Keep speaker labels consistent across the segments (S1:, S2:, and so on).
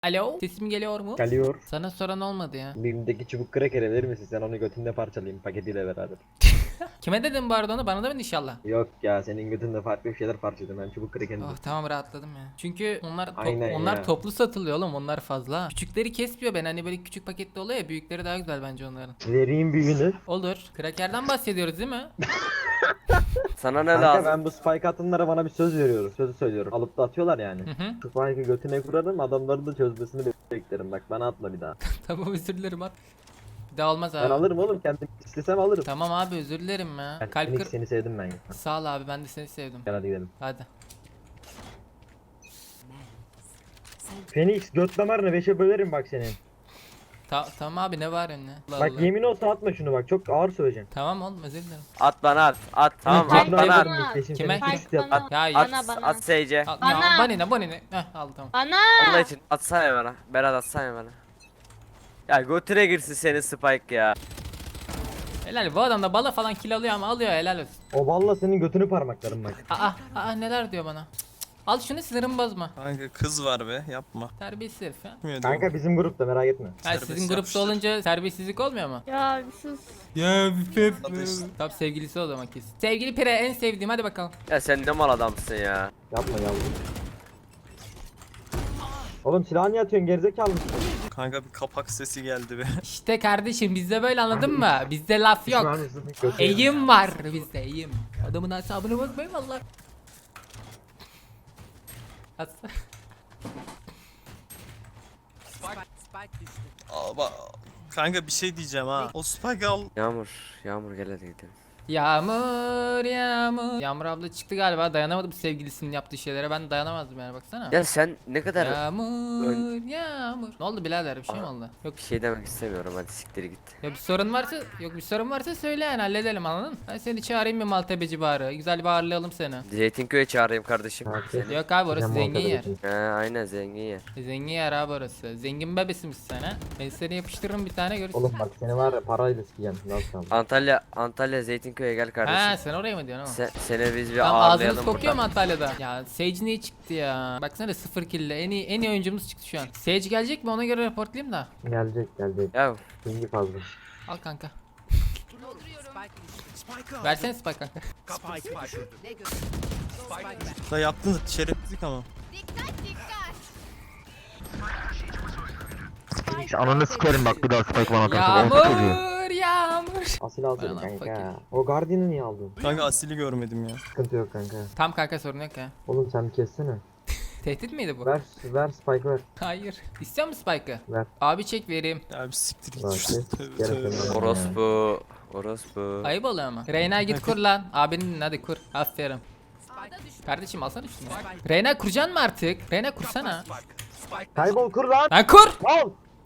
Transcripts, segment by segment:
S1: Alo, sesim geliyor mu?
S2: Geliyor.
S1: Sana soran olmadı ya.
S2: Elimdeki çubuk kraker verir misin? Sen onu götünde parçalayayım paketiyle beraber.
S1: Kime dedim bu arada onu? Bana da mı inşallah?
S2: Yok ya, senin götünde farklı bir şeyler parçaladım, ben çubuk krakerini.
S1: Oh tamam, rahatladım ya. Çünkü
S2: Aynen
S1: onlar
S2: ya.
S1: toplu satılıyor oğlum, onlar fazla. Küçükleri kesmiyor, ben hani böyle küçük paketli oluyor ya, büyükleri daha güzel bence onların.
S2: Vereyim büyüğünü.
S1: Olur. Krakerden bahsediyoruz değil mi?
S3: Sana ne
S2: Kanka
S3: lazım?
S2: ben bu spike atımlara bana bir söz veriyorum. Sözü söylüyorum. Alıp da atıyorlar yani.
S1: Hı hı.
S2: Spike'ı götüne kurarım, adamların da çözmesini beklerim. Bak bana atma bir daha.
S1: Tamam, özür dilerim at. Bir daha olmaz
S2: Ben
S1: abi.
S2: alırım oğlum, kendim istesem alırım.
S1: Tamam abi, özür dilerim ya.
S2: Yani
S1: Kalp
S2: Phoenix,
S1: kır...
S2: seni sevdim ben ya.
S1: Sağ ol abi, ben de seni sevdim.
S2: Gel hadi gidelim.
S1: Hadi.
S2: Phoenix göt damarını 5'e bölerim bak senin.
S1: Tamam abi, ne var önüne? Allah
S2: Bak
S1: Allah.
S2: yemin olsa atma şunu, bak çok ağır söyleyeceğim.
S1: Tamam oğlum, özür dilerim.
S3: At bana at. At tamam
S1: Kim-
S3: at
S1: kim-
S3: bana at.
S1: kim-
S2: Peşin
S1: Kime?
S2: seni
S1: Kim?
S2: fix yap.
S3: At,
S1: Ya
S3: at,
S4: bana.
S3: at Sage'e.
S1: Ya
S4: Bana.
S1: bana ne? Heh, aldım tamam.
S4: Ana!
S3: Allah için atsana bana. Berat atsana bana. Ya götüne girsin senin Spike ya.
S1: Helal, bu adam da bala falan kill alıyor ama alıyor, helal olsun.
S2: O balla senin götünü parmaklarım bak.
S1: Neler diyor bana. Al şunu, sinirim bozma.
S5: Kanka kız var be yapma.
S1: Terbiyesiz herif ya.
S5: Bilmiyorum.
S2: Kanka bizim grupta, merak etme.
S1: Ha,
S5: Serbest
S1: sizin grupta
S5: yapmışlar.
S1: olunca terbiyesizlik olmuyor mu?
S4: Ya bir sus.
S1: Ya bir
S5: Hadi işte.
S1: Tamam, sevgilisi o zaman kesin. Sevgili Pire, en sevdiğim, hadi bakalım.
S3: Ya sen ne mal adamsın ya.
S2: Yapma yavrum. Oğlum silahı niye atıyorsun, gerizekalı mısın?
S5: Kanka bir kapak sesi geldi be.
S1: İşte kardeşim, bizde böyle, anladın mı? Bizde laf yok.
S2: Pişman mısın? Götü-
S1: Eğim var bizde, eğim. Adamın hesabına bakmayın valla.
S5: Kanka bir şey diyeceğim ha. O spike al.
S3: Yağmur gel hadi gidelim.
S1: Yağmur yağmur. Yağmur abla çıktı galiba, dayanamadı bu sevgilisinin yaptığı şeylere, ben dayanamazdım yani, baksana.
S3: Ya sen ne kadar
S1: Yağmur yağmur. Ne oldu birader, bir şey mi oldu? Yok
S3: bir şey demek istemiyorum, hadi siktir git.
S1: bir sorun varsa, bir sorun varsa söyle yani, halledelim, anladın? Ben seni çağırayım bir Maltebeci bağrı. Güzel bir ağırlayalım seni.
S3: Zeytinköy'e çağırayım kardeşim.
S2: Ha,
S3: Seni.
S1: Yok abi, orası
S2: Sen
S1: zengin yer.
S2: muhabbet
S3: He aynen zengin yer.
S1: Zengin yer abi orası. Zengin bebesimiz sen ha. Ben seni yapıştırırım bir tane, görürsün.
S2: Oğlum bak seni var ya, parayla sikeceğim. Nasıl kaldı?
S3: Antalya Zeytinköy'e gel kardeşim.
S1: Ha, sen oraya mı diyorsun ama?
S3: Seni biz bir
S1: Tamam, ağzınız
S3: ağırlayalım
S1: kokuyor mu
S3: burada.
S1: Antalya'da? Ya Sage niye çıktı ya? Baksana, 0 kill'le en iyi oyuncumuz çıktı şu an. Sage gelecek mi, ona göre raportlayayım da.
S2: Gelecek gelecek.
S3: Ya
S2: Bilgi fazla.
S1: Al kanka. Versene spike kanka.
S5: Da yaptın da şerefsizlik ama.
S6: Ananı sikerim bak, bir daha spike bana atarsa orta çocuğu.
S1: Yağmur.
S2: Asil alsın
S1: Aynen,
S2: kanka.
S1: fakir.
S2: O Guardian'ı niye aldın?
S5: Kanka Asil'i görmedim ya.
S2: Sıkıntı yok kanka.
S1: Tam kanka, sorun yok ya.
S2: Oğlum sen bir kessene.
S1: Tehdit miydi bu?
S2: Ver spike ver.
S1: Hayır. İstiyor musun spike'ı?
S2: Ver.
S1: Abi çek, vereyim.
S5: Ya bir siktir git
S2: Bak,
S5: işte.
S2: kes.
S5: Tövbe
S2: Gel
S5: tövbe.
S2: efendim.
S3: orospu.
S1: Ayıp oluyor ama. Reyna git kur lan. Abinin hadi kur. Aferin. Kardeşim alsana şunu. Reyna kuracaksın mı artık? Reyna kursana.
S2: Kaybol, kur lan.
S1: Lan kur.
S2: Al.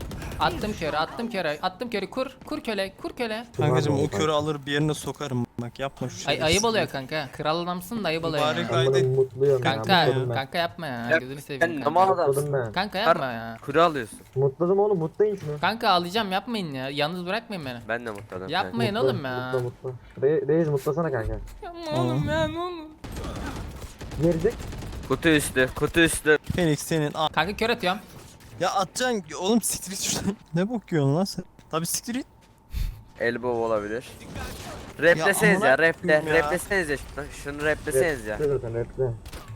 S1: Attım körü, kur köle.
S5: Kankacım o körü alır bir yerine sokarım. Bak yapma şu şeyi.
S1: Ayıp oluyor kanka. Kral adamsın da ayıp oluyor
S5: Mübarek
S1: ya.
S5: ay-
S2: Ben
S5: Haydi.
S2: bunu mutluyum
S1: Kanka,
S2: ya. Mutladım ben.
S1: kanka yapma ya.
S3: Ya,
S1: Gözünü seveyim
S3: Sen ne
S1: kanka.
S3: mal
S2: Mutladım
S3: adamsın.
S2: ben.
S1: Kanka yapma ya.
S3: Kuru alıyorsun.
S2: Mutladım oğlum, mutlayın şunu.
S1: Kanka ağlayacağım, yapmayın ya. Yalnız bırakmayın beni.
S3: Ben de mutladım.
S1: Yapmayın
S2: Mutla,
S1: oğlum ya.
S2: Mutla. Reis mutlasana kanka.
S1: Yapma oğlum ya, ne olur.
S2: Gerizek.
S3: Kutu üstü.
S5: Phoenix senin.
S1: Kanka kör atıyorum.
S5: Ya atacaksın oğlum siktir git şuradan. Ne bok yiyorsun lan sen? Tabi siktir git.
S3: Elbow olabilir. Repleseniz
S5: amına
S3: ya, reple.
S5: koyayım ya.
S3: Repleseniz ya şunu. Şunu repleseniz ya.
S2: Reple zaten, reple.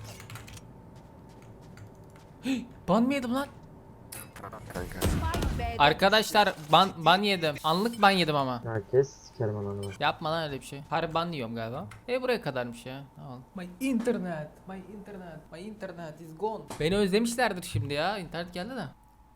S1: Ban mı yedim lan?
S3: Kanka.
S1: Arkadaşlar ban yedim. Anlık ban yedim ama.
S2: Ya kes sikerim ananı.
S1: Yapma lan öyle bir şey. Harbi ban yiyorum galiba. Buraya kadarmış ya. Tamam. My internet is gone. Beni özlemişlerdir şimdi ya. İnternet geldi de.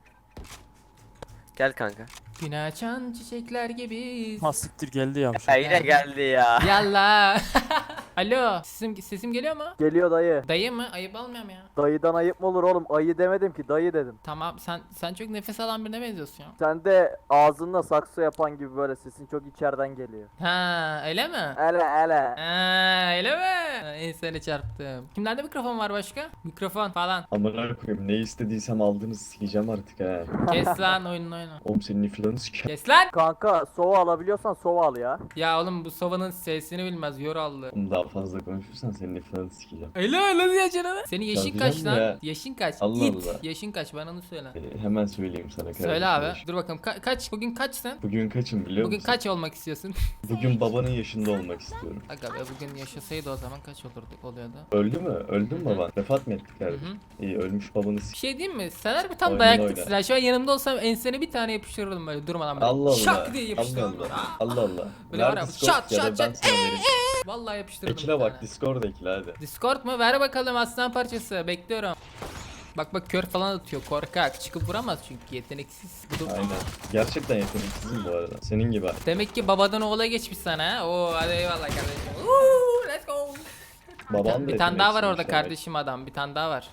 S3: Gel kanka.
S1: Gün açan çiçekler gibi.
S5: Ha siktir geldi ya.
S3: Ya yine geldi ya.
S1: Yallah. Alo. Sesim geliyor mu?
S7: Geliyor dayı.
S1: Dayı mı? Ayıp almıyorum ya.
S7: Dayıdan ayıp mı olur oğlum? Ayı demedim ki, dayı dedim.
S1: Tamam, sen çok nefes alan birine benziyorsun ya.
S7: Sen de ağzınla sakso yapan gibi böyle sesin çok içeriden geliyor.
S1: Ha, öyle mi?
S7: Ele.
S1: Ha, öyle mi? Seni çarptım. Kimlerde mikrofon var başka? Mikrofon falan.
S8: Amına koyayım, ne istediysem aldınız, sikeceğim artık ha.
S1: Kes lan, oyununu oyna.
S8: Oğlum senin iflanı sikeceğim.
S1: Kes lan.
S7: Kanka sova alabiliyorsan sova al ya.
S1: Ya oğlum, bu sovanın sesini bilmez, yorallı.
S8: Oğlum daha Daha fazla konuşursan senin ifadını sikeceğim.
S1: Öyle diye canım. Senin yaşın
S8: Tabii
S1: kaç
S8: canım
S1: lan?
S8: ya.
S1: Yaşın kaç?
S8: Allah
S1: İt.
S8: Allah.
S1: Yaşın kaç? Bana onu söyle.
S8: Hemen söyleyeyim sana kardeşim.
S1: Söyle abi.
S8: yaş.
S1: Dur bakalım. Kaç? Bugün kaçsın?
S8: Bugün kaçım biliyor
S1: Bugün
S8: musun?
S1: kaç olmak istiyorsun?
S8: Bugün babanın yaşında olmak istiyorum.
S1: Aga be bugün yaşasaydı o zaman kaç oluyordu?
S8: Öldü mü? Öldü mü
S1: Hı hı.
S8: baban? Vefat mı etti kardeşim? İyi ölmüş babanı
S1: Bir şey diyeyim mi? Sen harbi tam
S8: Oyna,
S1: dayaklık
S8: oyna.
S1: silah. Şu an yanımda olsam ensene bir tane yapıştırırdım böyle durmadan böyle.
S8: Allah Allah.
S1: Şak diye
S8: Allah
S1: yapıştırırdım.
S8: Allah. Allah Allah.
S1: Böyle var
S8: Ver
S1: ya,
S8: Discord
S1: şat,
S8: ya da
S1: şat,
S8: ben
S1: şat.
S8: sana vereyim.
S1: Vallahi yapıştırırdım.
S8: Ekile
S1: bir
S8: bak
S1: tane.
S8: Discord ekile hadi.
S1: Discord mu? Ver bakalım aslan parçası. Bekliyorum. Bak kör falan atıyor. Korkak. Çıkıp vuramaz çünkü yeteneksiz. Bu da-
S8: Aynen. Gerçekten yeteneksizim bu arada. Senin gibi.
S1: Demek ki babadan oğula geçmiş sana ha. Oo hadi eyvallah kardeşim. Woo, let's go.
S8: Babam da
S1: Bir tane daha var orada
S8: yeteneksizmiş demek.
S1: kardeşim adam. Bir tane daha var.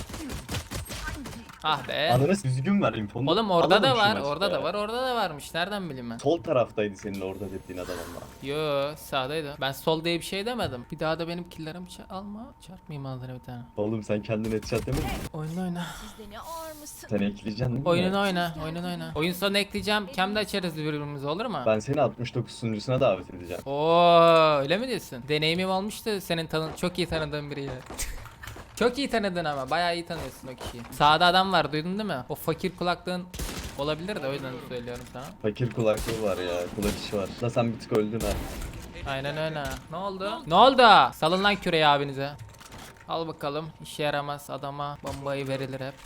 S1: Ah be.
S8: Ananı düzgün ver infonu.
S1: Oğlum orada da
S8: Anladım şu
S1: var.
S8: maçta
S1: Orada
S8: ya.
S1: da var. Orada da varmış. Nereden bileyim ben?
S8: Sol taraftaydı senin orada dediğin adam ama.
S1: Yo sağdaydı. Ben sol diye bir şey demedim. Bir daha da benim killerimi alma. Çarpmayayım ağzına bir tane.
S8: Oğlum sen kendin headshot demedin mi?
S1: Oyunu oyna.
S8: Sen ekleyeceksin değil mi?
S1: Oyununu oyna. Oyununu oyna. Oyun sonu ekleyeceğim. Cam'da açarız birbirimizi olur mu?
S8: Ben seni 69 sunucusuna davet edeceğim.
S1: Oo öyle mi diyorsun? Deneyimim olmuştu senin çok iyi tanıdığın biriyle. Çok iyi tanıdın ama bayağı iyi tanıyorsun o kişiyi. Sağda adam var duydun değil mi? O fakir kulaklığın olabilir de o yüzden söylüyorum sana.
S8: Fakir kulaklığı var ya. Kulak işi var. Da sen bir tık öldün ha.
S1: Aynen öyle. Ne oldu? Ne oldu? Salın lan küreği abinize. Al bakalım. İşe yaramaz adama bombayı verilir hep.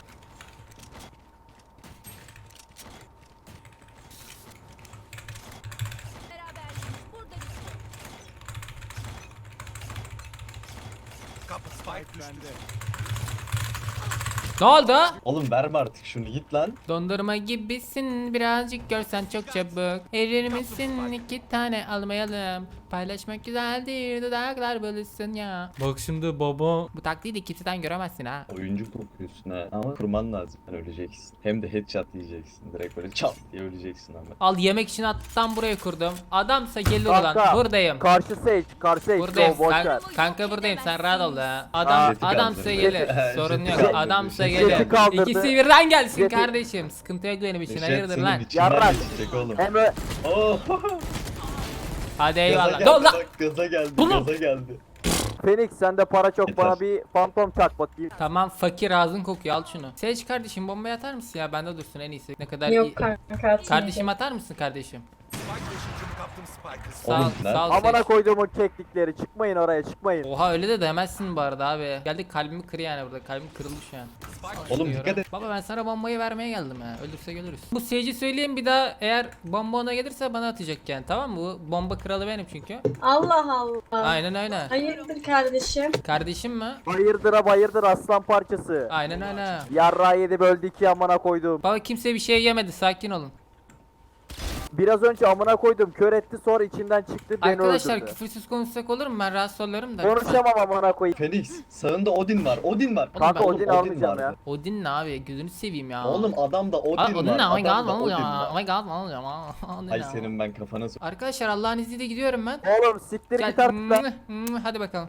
S1: Ne oldu?
S8: Oğlum verme artık şunu git lan.
S1: Dondurma gibisin birazcık görsen çok çabuk. Erir misin 2 tane almayalım. Paylaşmak güzeldir dudaklar bölüşsün ya. Bak şimdi baba. Bu taktiği de kimseden göremezsin ha.
S8: Oyuncu kokuyorsun ha. Ama kurman lazım. Sen öleceksin. Hem de headshot yiyeceksin. Direkt böyle çat diye öleceksin ama.
S1: Al yemek için attan buraya kurdum. Adamsa gelir
S7: Kanka,
S1: ulan. Buradayım.
S7: Karşı Sage, karşı Sage.
S1: Buradayım.
S7: Go, boş ver.
S1: Kanka buradayım sen rahat ol ya.
S8: Jeti
S1: Adamsa
S8: kaldırdı.
S1: gelir. Sorun
S8: Jeti
S1: yok.
S8: kaldırdı.
S1: Adamsa
S8: Jeti
S1: gelir.
S7: kaldırdı.
S1: İkisi birden gelsin
S7: Jeti-
S1: kardeşim. Sıkıntı yok benim için.
S8: Neşet
S1: Hayırdır
S8: senin
S1: lan?
S8: içinden
S7: Yarrak.
S8: geçecek oğlum.
S7: Emre,
S8: Oh.
S1: Hadi
S8: Gaza
S1: eyvallah.
S8: geldi
S1: Dur lan.
S8: bak gaza geldi.
S1: Oğlum.
S8: Gaza geldi.
S7: Phoenix sende para çok,
S8: Yeter.
S7: bana bir fantom çak bakayım.
S1: Tamam fakir ağzın kokuyor al şunu. Seç kardeşim bombayı atar mısın ya bende dursun en iyisi. Ne kadar iyi.
S4: Yok kanka atmayacağım.
S1: Kardeşim atar mısın kardeşim? Sağ ol,
S8: Oğlum lan.
S1: sağ ol.
S7: Amına
S1: Seç.
S7: koyduğumun keklikleri, çıkmayın oraya, çıkmayın.
S1: Oha öyle de demezsin bu arada abi. Geldik kalbimi kır yani burada. Kalbim kırıldı şu an.
S8: Oğlum
S1: Diyorum.
S8: dikkat et.
S1: Baba ben sana bombayı vermeye geldim ha. Ölürse görürüz. Bu seyirci söyleyeyim bir daha eğer bomba ona gelirse bana atacak yani tamam mı? Bu bomba kralı benim çünkü.
S4: Allah Allah.
S1: Aynen öyle.
S4: Hayırdır kardeşim?
S1: Kardeşim mi?
S7: Bayırdıra bayırdır aslan parçası.
S1: Aynen öyle.
S7: Yarrağı yedi böldü iki amına koydum.
S1: Baba kimse bir şey yemedi sakin olun.
S7: Biraz önce amına koydum, kör etti, sonra içinden çıktı, beni
S1: Arkadaşlar
S7: öldürdü.
S1: küfürsüz konuşsak olur mu? Ben rahatsız oluyorum da.
S7: Konuşamam amına koyayım.
S8: Felix sağında Odin var. Odin var.
S1: Kanka,
S8: Oğlum,
S7: Odin almayacağım
S8: vardı.
S7: ya.
S1: Odin ne abi? Gözünü seveyim ya.
S8: Oğlum adamda Odin
S1: Aa,
S8: var.
S1: Odin ne? Oh my god,
S8: Adamda
S1: ne oluyor?
S8: Odin var.
S1: Oh my god, ne oluyor? Odin
S8: Ay
S1: ne?
S8: senin ben kafana sok.
S1: Arkadaşlar Allah'ın izniyle gidiyorum ben.
S7: Oğlum siktir git artık lan.
S1: Hadi bakalım.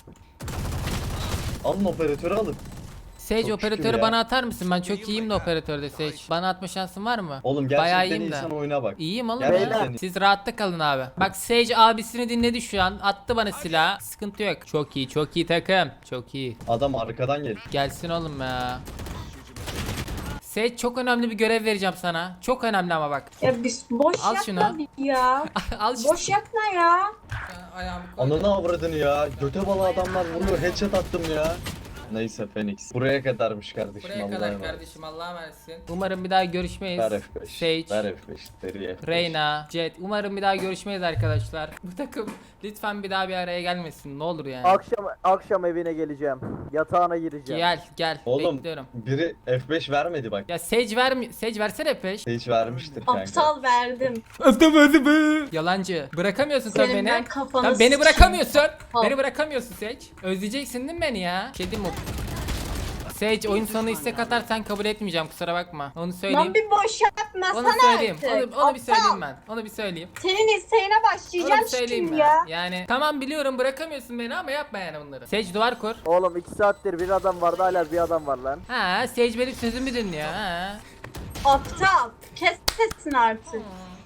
S8: Alın operatörü alın.
S1: Sage
S8: Çok şükür
S1: operatörü
S8: ya.
S1: bana atar mısın? Ben çok iyiyim de operatörde Sage. Bana atma şansın var mı?
S8: Oğlum
S1: Bayağı
S8: gerçekten
S1: iyiyim de.
S8: insan oyuna bak.
S1: İyiyim oğlum
S8: Gerçekten
S1: ya. Siz rahatta kalın abi. Bak Sage abisini dinledi şu an. Attı bana silah. Sıkıntı yok. Çok iyi, çok iyi takım. Çok iyi.
S8: Adam arkadan gel.
S1: Gelsin oğlum ya. Sage çok önemli bir görev vereceğim sana. Çok önemli ama bak.
S4: Ya biz boş
S1: Al
S4: yapma
S1: şunu.
S4: bir ya.
S1: Al şu
S4: Boş yapma ya.
S1: ayağımı koy.
S8: Ananı avradını ya. Göte balı adamlar vuruyor. Headshot attım ya. Neyse Phoenix. Buraya kadarmış kardeşim.
S1: Buraya
S8: Allah'a
S1: kadar
S8: emanet.
S1: kardeşim Allah'a emanetsin. Umarım bir daha görüşmeyiz.
S8: Ver F5.
S1: Sage,
S8: Ver F5. Deri F5.
S1: Reyna, Jet. Umarım bir daha görüşmeyiz arkadaşlar. Bu takım lütfen bir daha bir araya gelmesin. Ne olur yani.
S7: Akşam evine geleceğim. Yatağına gireceğim.
S1: Gel.
S8: Oğlum
S1: Bekliyorum.
S8: biri F5 vermedi bak.
S1: Ya Sage vermi Sage versene peş.
S8: Hiç vermiştir kanka.
S4: Aptal verdim.
S1: Yalancı. Bırakamıyorsun sen
S4: Senin
S1: beni.
S4: ben kafanı
S1: Sen beni
S4: sikeyim.
S1: bırakamıyorsun.
S4: Al.
S1: Beni bırakamıyorsun Sage. Özleyeceksin değil mi beni ya? Şey diyeyim mi? Sage oyun sonu istek atarsan kabul etmeyeceğim kusura bakma. Onu söyleyeyim.
S4: Lan bir boş yapma
S1: Onu
S4: sana
S1: söyleyeyim.
S4: artık.
S1: Onu bir söyleyeyim
S4: Aptal.
S1: ben. Onu bir söyleyeyim.
S4: Senin isteğine
S1: Onu
S4: başlayacağım
S1: bir söyleyeyim
S4: şimdi
S1: ben.
S4: ya.
S1: Yani tamam biliyorum bırakamıyorsun beni ama yapma yani bunları. Sage duvar kur.
S7: Oğlum 2 saattir bir adam vardı, hala bir adam var lan.
S1: Ha Sage benim sözümü dinliyor ha.
S4: Aptal. Kes sesini artık.